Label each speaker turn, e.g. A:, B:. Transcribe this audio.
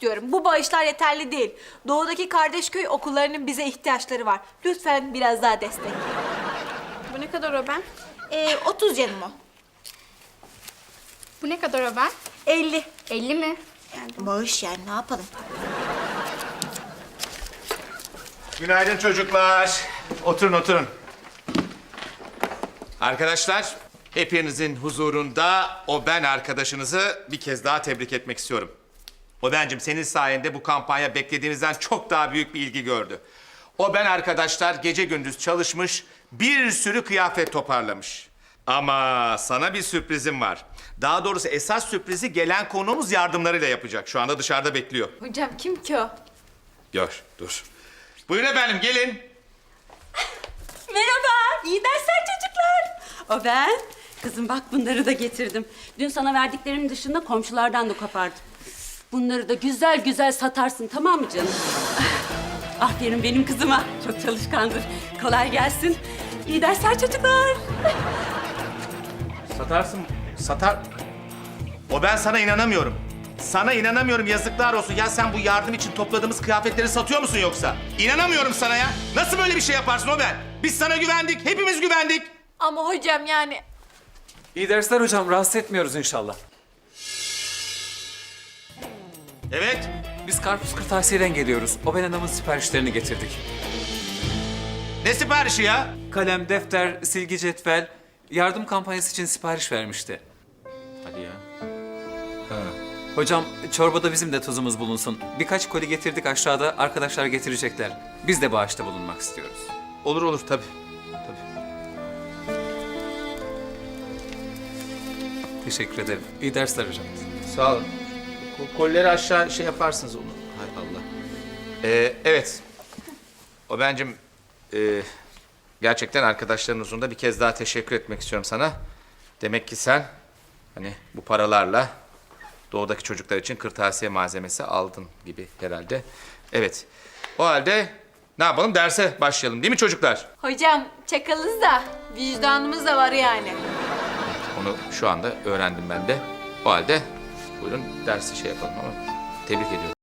A: istiyorum. Bu bağışlar yeterli değil. Doğudaki kardeş köy okullarının bize ihtiyaçları var. Lütfen biraz daha destek.
B: Bu ne kadar o ben?
A: 30 canım o.
B: Bu ne kadar o ben?
A: 50.
B: 50 mi?
A: Bağış yani ne yapalım?
C: Günaydın çocuklar. Oturun oturun. Arkadaşlar, hepinizin huzurunda o ben arkadaşınızı bir kez daha tebrik etmek istiyorum. O bencim senin sayende bu kampanya beklediğimizden çok daha büyük bir ilgi gördü. O ben arkadaşlar gece gündüz çalışmış, bir sürü kıyafet toparlamış. Ama sana bir sürprizim var. Daha doğrusu esas sürprizi gelen konuğumuz yardımlarıyla yapacak. Şu anda dışarıda bekliyor.
A: Hocam kim ki o?
C: Gör, dur. Buyurun efendim, gelin.
D: Merhaba, iyi dersler çocuklar. O ben. Kızım bak bunları da getirdim. Dün sana verdiklerimin dışında komşulardan da kopardım. Bunları da güzel güzel satarsın, tamam mı canım? Aferin benim kızıma. Çok çalışkandır. Kolay gelsin. İyi dersler çocuklar.
C: Satarsın, satar... O ben sana inanamıyorum. Sana inanamıyorum, yazıklar olsun. Ya sen bu yardım için topladığımız kıyafetleri satıyor musun yoksa? İnanamıyorum sana ya. Nasıl böyle bir şey yaparsın o ben? Biz sana güvendik, hepimiz güvendik.
A: Ama hocam yani...
E: İyi dersler hocam. Rahatsız etmiyoruz inşallah.
C: Evet.
E: Biz Karpuz Kırtasiye'den geliyoruz. O ben adamın siparişlerini getirdik.
C: Ne siparişi ya?
E: Kalem, defter, silgi, cetvel, yardım kampanyası için sipariş vermişti.
C: Hadi ya.
E: Hocam çorbada bizim de tuzumuz bulunsun. Birkaç koli getirdik aşağıda. Arkadaşlar getirecekler. Biz de bağışta bulunmak istiyoruz.
C: Olur olur tabii. Tabii.
E: Teşekkür ederim. İyi dersler hocam.
C: Sağ olun. Kolleri aşağı şey yaparsınız onu. Hay Allah. Evet. O bencim gerçekten arkadaşların huzurunda bir kez daha teşekkür etmek istiyorum sana. Demek ki sen hani bu paralarla doğudaki çocuklar için kırtasiye malzemesi aldın gibi herhalde. Evet. O halde ne yapalım? Derse başlayalım değil mi çocuklar?
A: Hocam çakalız da vicdanımız da var yani.
C: Onu şu anda öğrendim ben de. O halde buyurun dersi şey yapalım ama tebrik ediyorum.